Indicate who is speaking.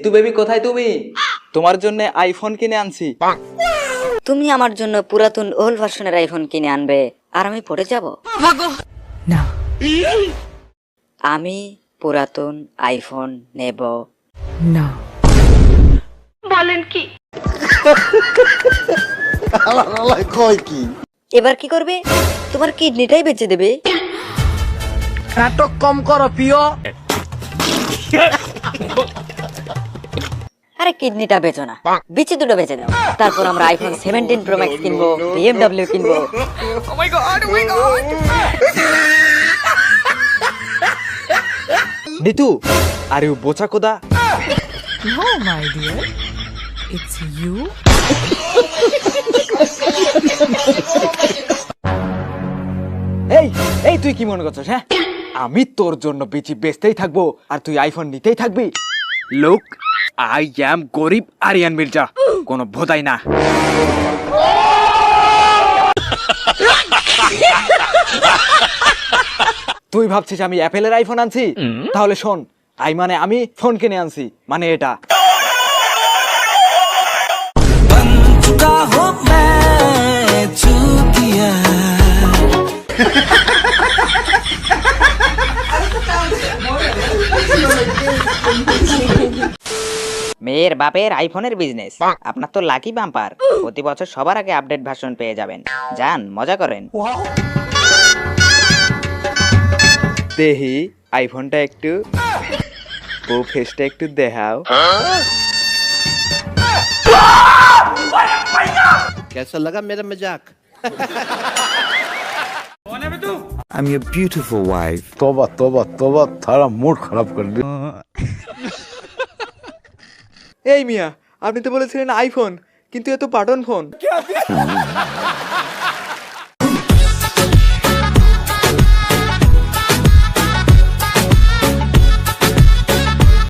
Speaker 1: ঋতু baby কোথায় তুমি? তোমার জন্য আইফোন কিনে আনছি।
Speaker 2: তুমি আমার জন্য পুরাতন ওল্ড ভার্সনের আইফোন কিনে আনবে আর আমি পড়ে যাব?
Speaker 3: না।
Speaker 2: আমি পুরাতন আইফোন নেব
Speaker 3: না।
Speaker 2: এবার কি করবে? তোমার কিডনিটাই বেঁচে দেবে।
Speaker 4: নাটক কম করো প্রিয়।
Speaker 2: আরে কিডনিটা বেচো না, বিচি দুটো বেচে দাও, তারপর আমরা আইফোন 17 প্রো ম্যাক্স কিনবো, BMW কিনবো।
Speaker 1: নিতু, আর ইউ বোচা কোদা?
Speaker 3: No, my dear. It's you.
Speaker 1: এই এই তুই কি মনে করছিস? হ্যাঁ, আমি তোর জন্য বিচি বেচতেই থাকবো আর তুই আইফোন নিতেই থাকবি? লুক, আই অ্যাম গরিব আরিয়ান মির্জা, কোনো ভোদাই না। তুই ভাবছিস আমি অ্যাপেলের আইফোন আনছি? তাহলে শোন, আই মানে আমি ফোন কিনে আনছি, মানে এটা।
Speaker 2: মেয়ের বাপের আইফোনের বিজনেস, আপনার তো লাকি বাম্পার। প্রতি বছর সবার আগে আপডেট ভার্সন পেয়ে যাবেন। যান, মজা করেন।
Speaker 1: দেহি আইফোনটা একটু, ও ফেসটা একটু দেখাও।
Speaker 4: कैसा लगा मेरा मजाक?
Speaker 5: I'm your beautiful wife.
Speaker 6: तोबा तोबा तोबा, थारा मूड खराब कर दिया।
Speaker 1: এই মিয়া, আপনি তো বলেছিলেন আইফোন, কিন্তু এ তো বাটন ফোন।